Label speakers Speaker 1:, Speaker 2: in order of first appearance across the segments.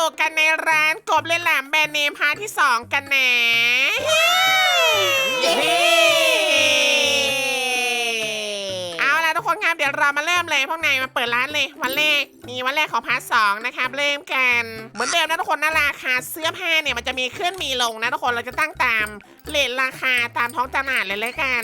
Speaker 1: กกันในร้านกบเล่นแหลมแบรนด์เนมพาร์ทที่2กันนะ
Speaker 2: เย้
Speaker 1: เอาล่ะทุกคนครับเดี๋ยวเรามาเริ่มเลยพวกนายมาเปิดร้านเลยวันแรกนี่วันแรกของพาร์ท2นะครับเริ่มกันเหมือนเดิมนะทุกคนนะราคาเสื้อผ้าเนี่ยมันจะมีขึ้นมีลงนะทุกคนเราจะตั้งตามเรทราคาตามท้องตลาดเลยกัน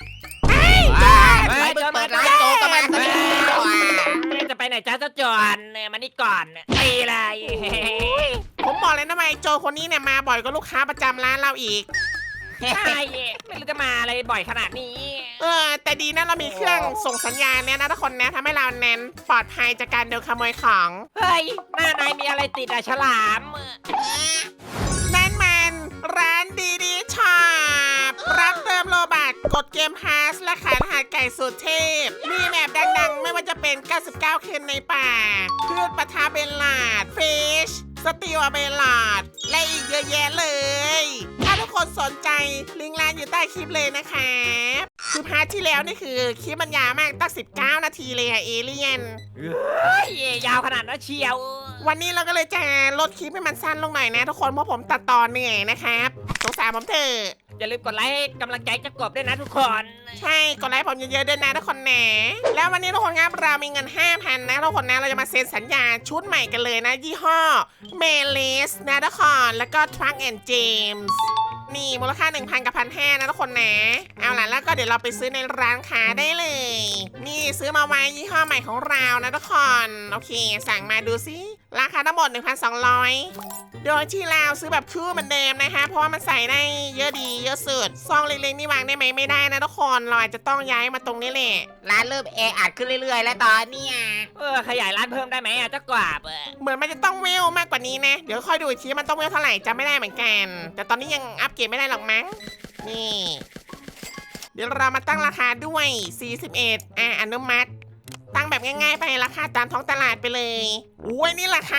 Speaker 2: ไม่เปิดร้านโจก็มาซะแล้ว
Speaker 3: จะไปไหนจ้าเจ้าจอนมานี่ก่อนตีเลย
Speaker 1: ผมบอกเลยนะว่าไอ้โจคนนี้เนี่ยมาบ่อยกว่าลูกค้าประจำร้านเราอีก
Speaker 3: ใช่ไม่รู้จะมาอะไรบ่อยขนาดนี้
Speaker 1: แต่ดีนะเรามีเครื่องส่งสัญญาณเนี่ยนะทุกคนนะทำให้เราเน้นปลอดภัยจากการโดนขโมยของ
Speaker 3: เฮ้ยหน้านายมีอะไรติดอะฉลาม
Speaker 1: นั่นมันร้านดีช็อปรับเติมโลบัตกดเกมพาสและขายรหัสไก่สุดเทพมีแมปดังๆ ไม่ว่าจะเป็น 99 คืนในป่าพืชปะทาเบลลาดฟิชสติวเบลลาดและอีกเยอะแยะเลย ถ้าทุกคนสนใจลิงก์ร้านอยู่ใต้คลิปเลยนะครับคือพาร์ทที่แล้วนี่คือคลิปมันยาวมากตั้ง19 นาทีเลยอะเอเลี่ยน
Speaker 3: เฮ้ยยาวขนาดนั้นเชียว
Speaker 1: วันนี้เราก็เลยจะลดคลิปให้มันสั้นลงหน่อยนะทุกคนเพราะผมตัดต่อเหนื่อยนะครับสงสารผมเถอะ
Speaker 3: อย่าลืมกดไลค์ให้กำลังใจเจ้ากบด้วยนะทุกคน
Speaker 1: ใช่กดไลค์ผมเยอะๆด้วยนะทุกคนนะแล้ววันนี้ทุกคนครับเรามีเงิน 5,000 นะทุกคนนะเราจะมาเซ็นสัญญาชุดใหม่กันเลยนะยี่ห้อเมลิสนะทุกคนแล้วก็ Truck and James นี่มูลค่า 1,000 กับ 1,500 นะทุกคนนะเอาล่ะแล้วก็เดี๋ยวเราไปซื้อในร้านค้าได้เลย นี่ซื้อมาไว้ยี่ห้อใหม่ของเรานะทุกคนโอเคสั่งมาดูซิราคาทั้งหมด 1,200 โดยที่เราซื้อแบบคู่เหมือนเดิมนะคะเพราะว่ามันใส่ได้เยอะดีเยอะสุดซองเล็กๆนี่วางได้ไหมไม่ได้นะทุกคนเราอาจจะต้องย้ายมาตรงนี้แหละ
Speaker 2: ร้านเริ่มแออัดขึ้นเรื่อยๆ แล้วตอนเนี้ย
Speaker 3: ขยายร้านเพิ่มได้ไหมอะเจ้ากบ
Speaker 1: เหมือนมันจะต้องเวลมากกว่านี้นะเดี๋ยวค่อยดูอีกทีมันต้องเวลเท่าไหร่จำไม่ได้เหมือนกันแต่ตอนนี้ยังอัปเกรดไม่ได้หรอกมั้งนี่เดี๋ยวเรามาตั้งราคาด้วย41อนุมัติตั้งแบบง่ายๆไปราคาตามท้องตลาดไปเลยอุ้ยนี่ราคา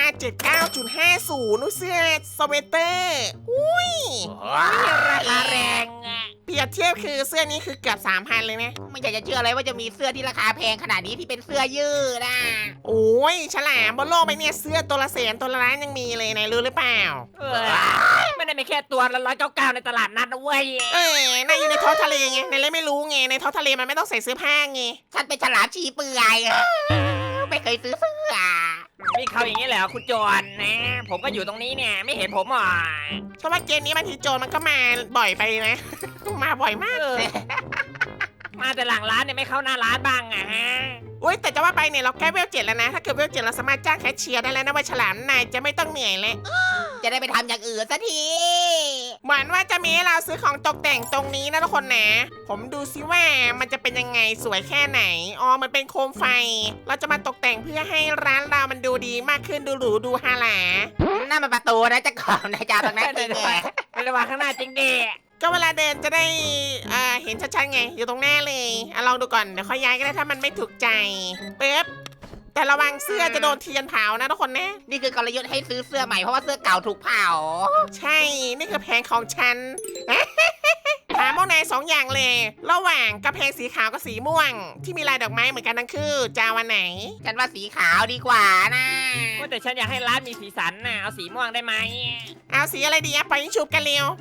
Speaker 1: 79.50นูเสื้อสเวตเตอร์อุ้ย
Speaker 3: ราคาแรงอะ
Speaker 1: เปรียบเทียบคือเสื้อนี้คือเกือบ 3,000 เลยนะ
Speaker 2: ไม่อยากจะเชื่อเลยว่าจะมีเสื้อที่ราคาแพงขนาดนี้ที่เป็นเสื้อยืดอ่ะ
Speaker 1: โอ้ยฉลามบนโลกใบเนี่ยเสื้อตัวละแสนตัวละล้านยังมีเลยนายรู้หรือเปล่า
Speaker 3: ไม่ได้มีแค่ตัวละ199ในตลาดนัดนะเว้ย
Speaker 1: นายอยู่ในท้องทะเลไงนายเลยไม่รู้ไงในท้องทะเลมันไม่ต้องใส่เสื้อผ้าไง
Speaker 2: ฉันเป็นฉลามชีเปลือยอะไม่เคยซื้อเสื้อ
Speaker 3: วิ่งเข้าอย่างนี้แหละคุณจอนนะ ผมก็อยู่ตรงนี้เนี่ยไม่เห็นผมหรอ
Speaker 1: เพราะว่าเกมนี้บางทีโจรมันก็มาบ่อยไปนะ มาบ่อยมาก
Speaker 3: มาแต่หลังร้านเนี่ยไม่เข้าหน้าร้านบ้างอะฮะ
Speaker 1: อุ้ยแต่จะว่าไปเนี่ยเราแก้เวล7แล้วนะถ้าเกิดเวล7เราสามารถจ้างแคชเชียร์ได้แล้วนะว่าฉลามนายจะไม่ต้องเหนื่อยแล้ว
Speaker 2: จะได้ไปทำอย่างอื่นสักที
Speaker 1: เหมือนว่าจะมีให้เราซื้อของตกแต่งตรงนี้นะทุกคนนะผมดูซิว่ามันจะเป็นยังไงสวยแค่ไหนอ๋อมันเป็นโคมไฟ เราจะมาตกแต่งเพื่อให้ร้านเรามันดูดีมากขึ้นดูหรูดูฮาหลา
Speaker 2: นั่นมันประตูนะจะก่อนนะจ๊ะตรงนั้นจริงไง
Speaker 3: ไม่ระวังข้างหน้าจริงดิ
Speaker 1: ก็เวลาเดินจะได้เห็นชัดๆไงอยู่ตรงหน้าเลยลองดูก่อนเดี๋ยวค่อยย้ายก็ได้ถ้ามันไม่ถูกใจปึ๊บแต่ระวังเสื้อจะโดนเทียนเผานะทุกคนนะ
Speaker 2: นี่คือกลยุทธ์ให้ซื้อเสื้อใหม่เพราะว่าเสื้อเก่าถูกเผา
Speaker 1: ใช่นี่คือแผนของฉัน ถามพวกนายสองอย่างเลย ระหว่างกระเพงสีขาวกับสีม่วง ที่มีลายดอกไม้เหมือนกันทั้งคู่จะเอาวันไหน
Speaker 2: ฉันว่าสีขาวดีกว่านะ
Speaker 3: แต่ฉันอยากให้ร้านมีสีสันน่ะเอาสีม่วงได้ไหม
Speaker 1: เอาสีอะไรดีอะไปยิงฉุบกันเร็ว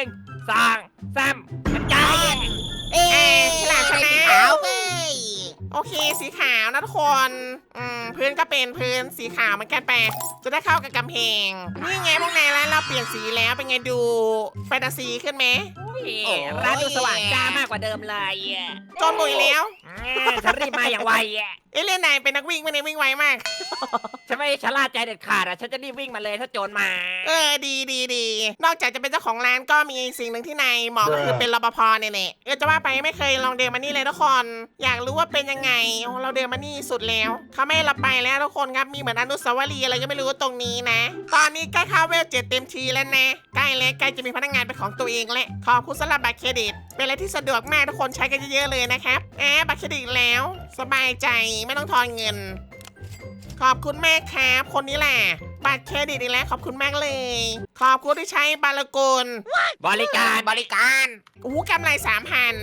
Speaker 3: 1 2 3มันใจ
Speaker 2: เอ๊ะ
Speaker 1: ฉลามชนะ
Speaker 2: สีขาวเว้ย
Speaker 1: โอเคสีขาวนะทุกคนพื้นก็เป็นพื้นสีขาวเหมือนกันแปะจะได้เข้ากับกำแพงนี่ไงพวกนายร้านเราเปลี่ยนสีแล้วเป็นไงดูแฟนตาซีขึ้นไหม
Speaker 3: ร้านดูสว่างจ้ามากกว่าเดิมเลย
Speaker 1: จนบุยแล้ว
Speaker 3: ฉันรีบมาอย่างไว
Speaker 1: เอยเล่นนายเป็นนักวิ่งไม่ได้วิ่งไวมาก
Speaker 3: ฉันไม่ชะล่าใจเด็ดขาดอ่ะฉันจะรีบวิ่งมาเลยถ้าโจรมา
Speaker 1: ดีนอกจากจะเป็นเจ้าของร้านก็มีสิ่งหนึ่งที่นายเหมาะก็คือเป็นรปภเนี่ยแหละจะว่าไปไม่เคยลองเดินมานี่เลยทุกคนอยากรู้ว่าเป็นยังไงโอ้เราเดินมานี่สุดแล้วเขาไม่ให้เราไปแล้วทุกคนครับมีเหมือนอนุสาวรีย์อะไรก็ไม่รู้ตรงนี้นะ ตอนนี้ใกล้เข้าเวล7เต็มทีแล้วนะใกล้แล้วใกล้จะมีพนักงานเป็นของตัวเองแล้วขอบคุณสำหรับบัตรเครดิตเป็นอะไรที่สะดวกมากทุกคนใช้กันเยอะๆเลยนะครับบัตรเครดิตแล้วสบายใจไม่ต้องทอนเงิน ขอบคุณแม่ครับคนนี้แหละบัตรเครดิตอีกแล้วขอบคุณมากเลย ขอบคุณที่ใช้บาลกุล
Speaker 3: บริการ
Speaker 2: บริการ
Speaker 1: กำไร 3,000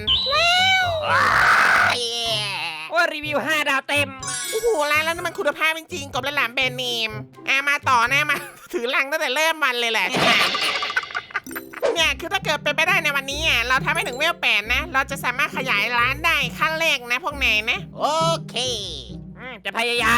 Speaker 3: ว่ารีวิว5 ดาวเต็ม
Speaker 1: โอ้โหร้านแล้วนี่มันคุณภาพจริงๆกบและหลามแบรนด์เนมมาต่อนะมาถือลังตั้งแต่เริ่มวันเลยแหละ เนี่ยคือถ้าเกิดเป็นไปได้ในวันนี้อ่ะเราทำให้ถึงเวล8นะเราจะสามารถขยายร้านได้ขั้นแรกนะพวกนายนะ
Speaker 2: โอเค
Speaker 3: จะพยายาม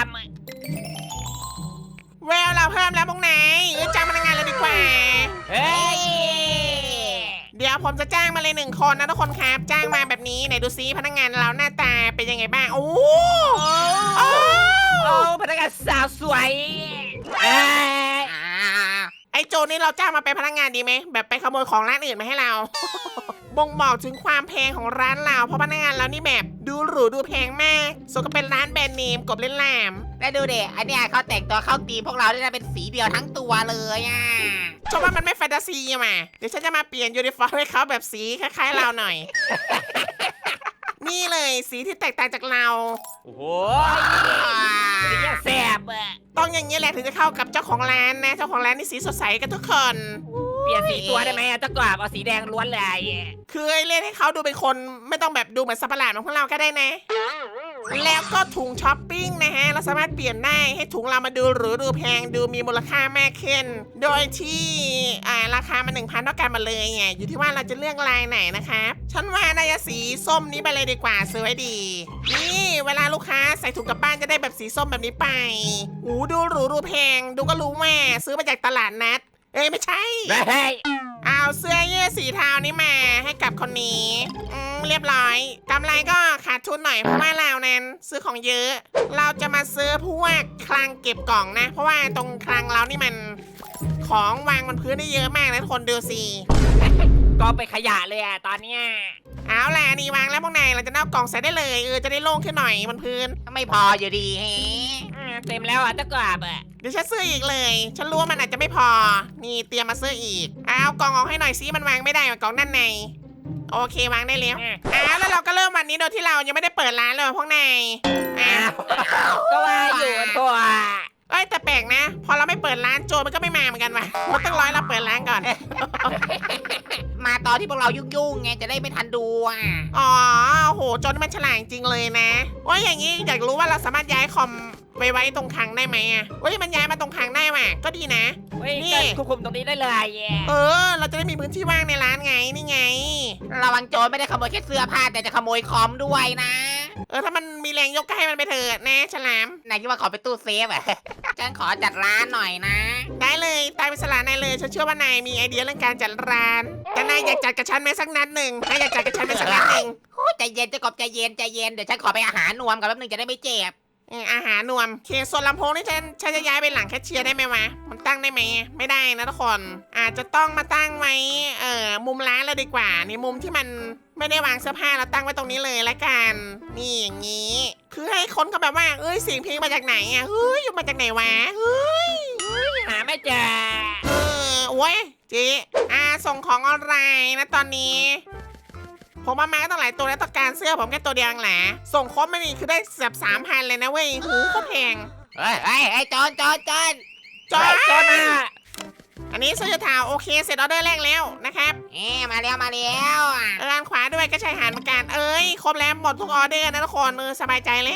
Speaker 1: เวลเราเพิ่มแล้วพวกนายจ้างพนักงานเลยดีกว่า
Speaker 3: เฮ้ย
Speaker 1: เดี๋ยวผมจะจ้างมาเลย1 คนนะทุกคนครับจ้างมาแบบนี้ไหนดูซิพนักงานเราหน้าตาเป็นยังไงบ้างโอ้โห
Speaker 3: โอ้พนักงานสาวสวยเอ้ย
Speaker 1: ไอ้โจนี่เราจ้างมาเป็นพนักงานดีไหมแบบไปขโมยของร้านอื่นมาให้เรา บ่งบอกถึงความแพงของร้านเราเพราะพนักงานเรานี่แบบดูหรูดูแพงมากสมกับเป็นร้านแบรนด์เนมกบเล่นแหลม
Speaker 2: แล้วดูเด็อันเนี้ยเขาแต่งตัวเข้าตีมพวกเราได้เป็นสีเดียวทั้งตัวเลยอ่ะ
Speaker 1: ชอบว่ามันไม่แฟนตาซีอะมาเดี๋ยวฉันจะมาเปลี่ยนยูนิฟอร์มให้เขาแบบสีคล้ายๆเราหน่อย นี่เลยสีที่แตกต่างจากเรา
Speaker 3: โอ้โหนี่ยังแสบอ่ะ
Speaker 1: ต้องอย่างนี้แหละถึงจะเข้ากับเจ้าของร้านนะเจ้าของร้านนี่สีสดใสกันทุกคน
Speaker 3: เปลี่ยนสีตัวได้ไหมเจ้ากราบเอาสีแดงล้วนเลย
Speaker 1: คือเล่นให้เขาดูเป็นคนไม่ต้องแบบดูเหมือนสัตว์ประหลาดของพวกเราก็ได้นะ แล้วก็ถุงช้อปปิ้งนะฮะเราสามารถเปลี่ยนได้ให้ถุงเรามาดูหรูดูแพงดูมีมูลค่ามากขึ้น โดยที่ราคามัน 1,000 เท่ากันมาเลยไงอยู่ที่ว่าเราจะเลือกลายไหนนะครับฉันว่าน่าจะสีส้มนี้ไปเลยดีกว่าซื้อไว้ดีนี่เวลาลูกค้าใส่ถุงกลับบ้านจะได้แบบสีส้มแบบนี้ไปดูหรูดูแพงดูก็รู้ว่าซื้อมาจากตลาดนัดไม่ใช่
Speaker 3: เฮ้ย
Speaker 1: เอาเสื้อยืดสีเทานี้มาให้กับคนนี้เรียบร้อยกำไรก็ขาดทุนหน่อยเพราะว่าเรานั้นซื้อของเยอะ เราจะมาซื้อพวกคลังเก็บกล่องนะ เพราะว่าตรงคลังเรานี่มันของวางบนพื้นได้เยอะมากนะทุกคนดูสิ
Speaker 3: ก็ไปขยะเลยอ่ะตอนเนี้ย
Speaker 1: เอาล่ะนี่วางแล้วพวกนายเราจะเอากล่องใส่ได้เลยจะได้โล่งขึ้นหน่อยบนพื้น
Speaker 2: ไม่พออยู่ดีแฮะ
Speaker 3: เต็มแล้วอ่ะเจ้ากราบอ่ะ
Speaker 1: เดี๋ยวฉันซื้ออีกเลย ฉันรู้ว่ามันอาจจะไม่พอนี่เตรียมมาซื้ออีกเอากล่องออกให้หน่อยซิมันวางไม่ได้กล่องด้านในโอเควางได้แล้วแล้วเราก็เริ่มวันนี้โดยที่เรายังไม่ได้เปิดร้านเลยพวกนาย
Speaker 3: ก็ว่าอยู่ทั่ว
Speaker 1: แต่แปลกนะ พอเราไม่เปิดร้านโจรมันก็ไม่มาเหมือนกันว่ะมันต้องรอให้เราเปิดร้านก่อน
Speaker 2: มาตอนที่พวกเรายุ่งๆไงจะได้ไม่ทันดูอ่ะ
Speaker 1: อ๋อโหโจรนี่มันฉลาดจริงเลยนะอย่างนี้อยากรู้ว่าเราสามารถย้ายคอมไปไว้ตรงคลังได้ไหมมันย้ายมาตรงคลังได้ว่ะก็ดีนะ
Speaker 3: นี่ควบคุมตรงนี้ได้เลย
Speaker 1: เราจะได้มีพื้นที่ว่างในร้านไงนี่ไง
Speaker 2: ระวังโจรไม่ได้ขโมยแค่เสื้อผ้าแต่จะขโมยคอมด้วยนะ
Speaker 1: ถ้ามันมีแรงยกก็ให้มันไปเถอะนะฉลาม
Speaker 2: นายคิดว่าขอไปตู้เซฟอ่ะ ฉันขอจัดร้านหน่อยนะ
Speaker 1: ได้เลยตายเป็นสลานายเลยฉันเชื่อว่านายมีไอเดียเรื่องการจัดร้านแต่นายอยากจัดกับฉันไหมสักนัดหนึ่งนายอยากจัดกับฉันไหมสักนัดหนึ่ง
Speaker 2: ใจเย็นเจะกบใจเย็นใจเย็นเดี๋ยวฉันขอไปอาหารนวมก่อนแป๊บนึงจะได้ไม่เจ็บ
Speaker 1: อาหารนวมส่วนลำโพงนี่ฉันจะย้ายไปหลังแคชเชียร์ได้ไหมวะมันตั้งได้ไหมไม่ได้นะทุกคนอาจจะต้องมาตั้งไว้มุมร้านเราดีกว่านี่มุมที่มันไม่ได้วางเสื้อผ้าเราตั้งไว้ตรงนี้เลยละกันนี่อย่างนี้คือให้คนเขาแบบว่าเสียงเพลงมาจากไหนอยู่มาจากไหนวะ
Speaker 3: หาไม่เจอ
Speaker 1: โอ้ยเจ๊ส่งของออนไลน์นะตอนนี้ผมมาตั้งหลายตัวแล้วต้องการเสื้อผมแค่ตัวเดียวแหละส่งครบไม่นี่คือได้แบบ3,000เลยนะเว้ยหูก็แพง
Speaker 2: เฮ้ยจอน
Speaker 1: จอ
Speaker 3: จนอ่ะ
Speaker 1: อันนี้เสื้อเทาโอเคเสร็จออเดอร์แรกแล้วนะครับ
Speaker 2: มาแล้ว
Speaker 1: ด้านขวาด้วยก็ใช้หารเหมือนกันครบแล้วหมดทุกออเดอร์นะทุกคนสบายใจเลย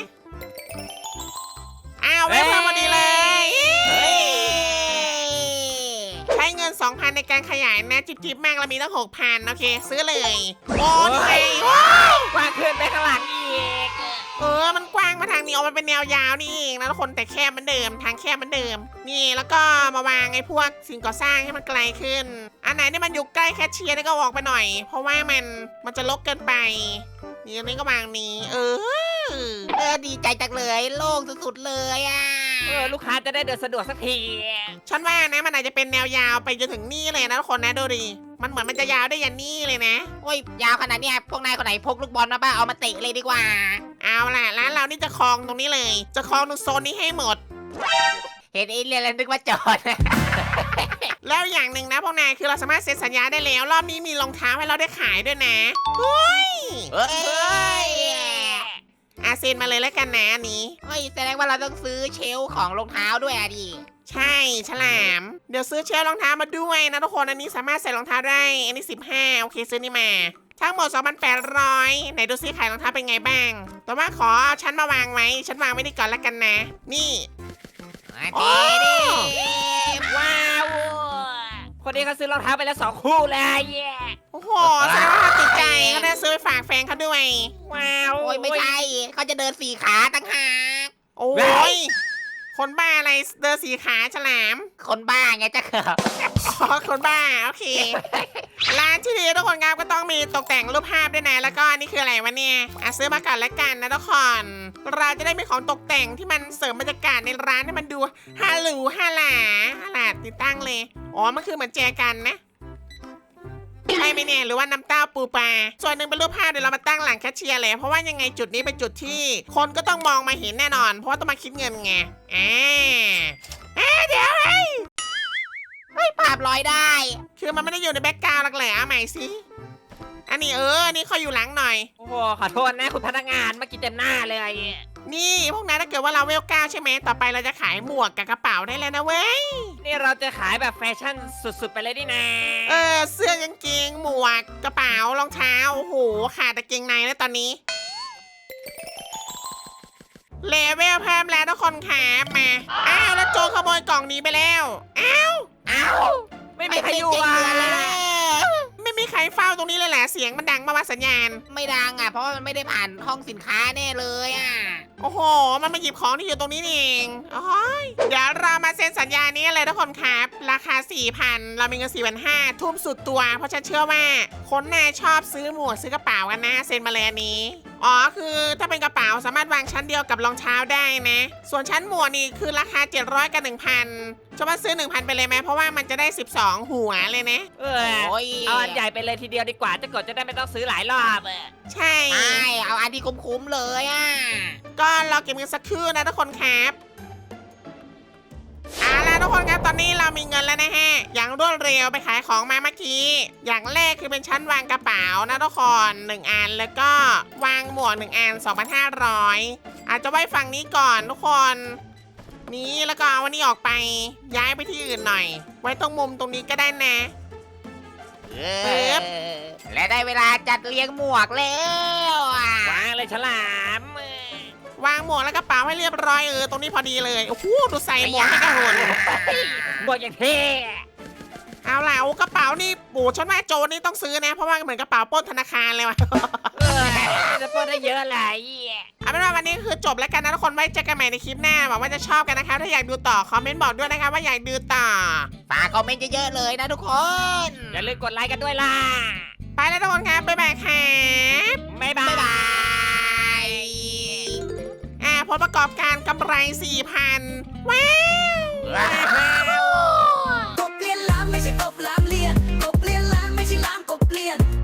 Speaker 1: เว็บเพิ่มพอดีเลยใช้เงิน 2,000 ในการขยายนะจิบมากเรามีตั้ง 6,000โอเคซื้อเลยโอ้ย
Speaker 3: กว้างขึ้นไปข้างหลังอีก
Speaker 1: มันกว้างมาทางนี้ออกมาเป็นแนวยาวนี่เองนะทุกคนแต่แคบเหมือนเดิมทางแคบเหมือนเดิมนี่แล้วก็มาวางไอ้พวกสิ่งก่อสร้างให้มันไกลขึ้นอันไหนที่มันอยู่ใกล้แคชเชียร์นี่ก็ออกไปหน่อยเพราะว่ามันจะรกเกินไปนี่อันนี้ก็วางนี้
Speaker 2: ดีใจจังเลยโล่งสุดๆเลยอ่ะ
Speaker 3: ลูกค้าจะได้เดินสะดวกสักที
Speaker 1: ฉันว่านะมันอาจจะเป็นแนวยาวไปจนถึงนี่เลยนะทุกคนนะดูดิมันเหมือนมันจะยาวได้ยันนี่เลยนะ
Speaker 2: ยาวขนาดเนี้ยพวกนายคนไหนพกลูกบอลมาบ้างเอามาเตะเลยดีกว่า
Speaker 1: เอาล่ะร้านเรานี่จะครองตรงนี้เลยจะครองตรงโซนนี้ให้หมด
Speaker 2: เห็นไอ้เรียนแล้วนึกว่าจอด
Speaker 1: แล้วอย่างหนึ่งนะพวกนายคือเราสามารถเซ็นสัญญาได้แล้วรอบนี้มีรองเท้าให้เราได้ขายด้วยนะเฮ้ยเซ็นมาเลยแล้วกันนะอันนี้
Speaker 2: แสดงว่าเราต้องซื้อเชลฟ์ของรองเท้าด้วยดิ
Speaker 1: ใช่ฉลามเดี๋ยวซื้อเชลฟ์รองเท้ามาด้วยนะทุกคนอันนี้สามารถใส่รองเท้าได้อันนี้15โอเคซื้อนี่มาทั้งหมด 2,800 ไหนดูซิขายรองเท้าเป็นไงบ้างแต่ว่าขอเอาชั้นมาวางไว้ฉันวางไว้ดีก่อนแล้วกันนะนี่
Speaker 2: ดิ
Speaker 3: ว้าวนี้เขาซื้อรองเท้าไปแล้ว2 คู่เลย
Speaker 1: โอ้โหแสดงว่าเขาติดใจเขาได้ซื้อไปฝากแฟนเขาด้วย
Speaker 3: ว้าว
Speaker 2: โอ้ยไม่ใช่เขาจะเดิน4 ขาตั้งหาก
Speaker 1: โอ้ยคนบ้าอะไรเดินสีขาฉลาม
Speaker 2: คนบ้าไงจะเขิบ
Speaker 1: อ๋อคนบ้าโอเคร้านที่ดีทุกคนครับก็ต้องมีตกแต่งรูปภาพด้วยนะแล้วก็อันนี่คืออะไรวะเนี่ยซื้อมาก่อนแล้วกันนะทุกคนเราจะได้มีของตกแต่งที่มันเสริมบรรยากาศในร้านให้มันดูฮาหรูฮาหลาติดตั้งเลยอ๋อมันคือเหมือนแจกันนะใช่ไหมเนี่ยหรือว่าน้ำเต้าปูปลาส่วนหนึ่งเป็นรูปภาพเดี๋ยวเรามาตั้งหลังแคชเชียร์เลยเพราะว่ายังไงจุดนี้เป็นจุดที่คนก็ต้องมองมาเห็นแน่นอน เพราะว่าต้องมาคิดเงินไงเดี๋ยว
Speaker 2: ภาพลอยได้
Speaker 1: คือมันไม่ได้อยู่ในแบ็กกราวด์หรอกเหรอเอาใหม่สิอันนี้อันนี้เขาอยู่หลังหน่อย
Speaker 3: โอ้โหขอโทษนะคุณพนักงานเมื่อกี้เต็มหน้าเลย
Speaker 1: นี่พวกนั้นถ้าเกิดว่าเราเวล9ใช่ไหมต่อไปเราจะขายหมวกกับกระเป๋าได้แล้วนะเว้ย
Speaker 3: นี่เราจะขายแบบแฟชั่นสุดๆไปเลยดินะ
Speaker 1: เสื้อกางเกงหมวกกระเป๋ารองเท้าโอ้โหขาดแต่เกงในแล้วตอนนี้เลเวลเพิ่มแล้วทุกคนครับมาแล้วโจรขโมยกล่องนี้ไปแล้วอ้าว
Speaker 3: ไม่มีใครอยู่
Speaker 2: เจ๋ง
Speaker 3: อ่ะ
Speaker 2: เลยนะ
Speaker 1: ไม่มีใครเฝ้าตรงนี้เลยแหละเสียงมันดังมาว่าสัญญาณ
Speaker 2: ไม่ดังอ่ะเพราะว่ามันไม่ได้ผ่านห้องสินค้าแน่เลยอ่ะ
Speaker 1: โอ้โห มันมาหยิบของที่อยู่ตรงนี้นี่เองโอ้ยเดี๋ยวเรามาเซ็นสัญญานี้เลยทุกคนครับ ราคา 4,000 เรามีเงิน 4,500 ทุ่มสุดตัว เพราะฉันเชื่อว่า คนน่าชอบซื้อหมวกซื้อกระเป๋ากันนะ เซ็นมาเลยอันนี้ อ๋อ คือถ้าเป็นกระเป๋าสามารถวางชั้นเดียวกับรองเท้าได้นะ ส่วนชั้นหมวกนี่คือราคา 700 กับ 1,000 จะมาซื้อ 1,000 ไปเลยไหมเพราะว่ามันจะได้ 12 หัวเลยนะ
Speaker 2: โอ้ย
Speaker 3: เอาอันใหญ่ไปเลยทีเดียวดีกว่าจะกดจะได้ไม่ต้องซื้อหลายรอบอะ
Speaker 1: ใช่
Speaker 2: ใช่เอาอันที่คุ้มๆเลยอ่ะ
Speaker 1: ก็รอเก็บเงินสักครู่นะทุกคนครับเอาล่ะทุกคนครับตอนนี้เรามีเงินแล้วนะฮะ อย่างรวดเร็วไปขายของมาเมื่อกี้ อย่างแรกคือเป็นชั้นวางกระเป๋านะทุกคน1 อันแล้วก็วางหมวก1 อัน 2,500 อาจจะไว้ฝั่งนี้ก่อนทุกคน นี้แล้วก็เอาวันนี้ออกไปย้ายไปที่อื่นหน่อย ไว้ตรงมุมตรงนี้ก็ได้นะ บ
Speaker 2: และได้เวลาจัดเรียงหมวกแล้วอ่ะ
Speaker 3: วางเลยฉลาม
Speaker 1: วางหมวกและกระเป๋าให้เรียบร้อยตรงนี้พอดีเลยโอ้โหดูใส่หมวกให้กระหุ่น
Speaker 3: บวกอย่างเท่
Speaker 1: เอาล่ะกระเป๋านี่ปู่ฉันว่าโจรนี่ต้องซื้อนะ เพราะว่าเหมือนกระเป๋าปล้นธนาคารเลยว่ะ
Speaker 3: จะพูดได้เยอะเลย
Speaker 1: เอาเป็นว่าวันนี้คือจบแล้วกันนะทุกคนไว้เจอกันใหม่ในคลิปหน้าหวังว่าจะชอบกันนะครับถ้าอยากดูต่อคอมเมนต์บอกด้วยนะครับว่าอยากดูต่อ
Speaker 2: ฝากคอมเมนต์เยอะๆเลยนะทุกคน
Speaker 3: อย่าลืมกดไลค์กันด้วยล่ะ
Speaker 1: ไปแล้วทุกคนครับบ๊ายบายครับ
Speaker 3: บ๊ายบา
Speaker 2: บ๊าย
Speaker 3: ย
Speaker 2: บาย
Speaker 1: ผลประกอบการกำไร 4,000 ว้าว
Speaker 4: กบเลียนล้านไม่ใช่กบล้านเลียนกบเลียนล้านไม่ใช่ล้านกบเลียน